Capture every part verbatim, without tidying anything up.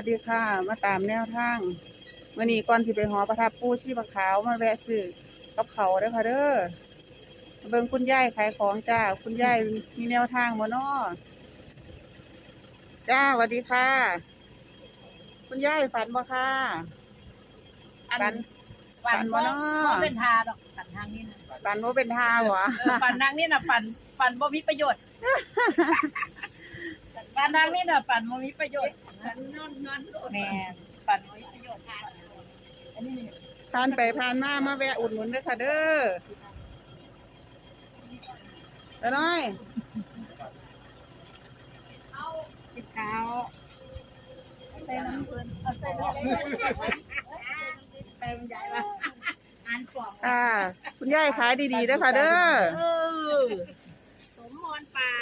วัสดีค่ะมาตามแนวทางมื่อนี้ก่อนที่ไปหอประทับปูชีพขาวมาแวะซื้อกับเขาเด้อค่ะเด้อเบิ่งคุณยายขายของจ้าคุณยายมีแนวทางบ่น้อจ้าสวัสดีค่ะคุณยายฝันบ่ค่ะฝันฝันบ่น้อบ่เป็นทาดอกฝันทางนี้นะฝันบ่เป็นท่าบ่เออฝันทางนี้น่ะฝันฝันบ่มีประโยชน์ฝันทางนี้น่ะฝันบ่มีประโยชน์ฝันนอนนอนแม่ฝันบ่มีประโยชน์อันนี้ผ่านไปผ่านมามาแวะอุดหนุนเด้อค่ะเด้อตาน้อยติดขาวใส่น้ำเพิ่นเอาใส่น้ำเต็มใหญ่ละอันสองค่ะคุณยายขายดีๆเด้อค่ะเด้อเออสมมรปาก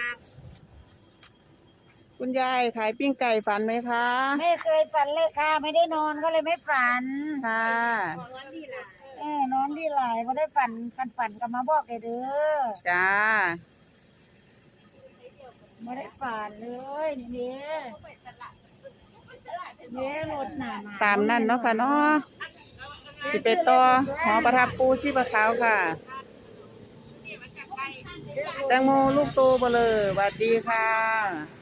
คุณยายขายปิ้งไก่ฝันไหมคะไม่เคยฝันเลยค่ะ ไม่ได้นอนก็เลยไม่ฝันค่ะของวันนี้ล่ะเออนอนดีหลายไม่ได้ฝันฝันฝันก็มาบอกเลยเด้อจ้าไม่ได้ฝันเลยนี่เนี่ยเนี่ยรถหนามาตามนั่นเนาะค่ะเนาะสิไปต่อหอประทับปูชีพขาวค่ะแตงโมลูกโตเบลอสวัสดีค่ะ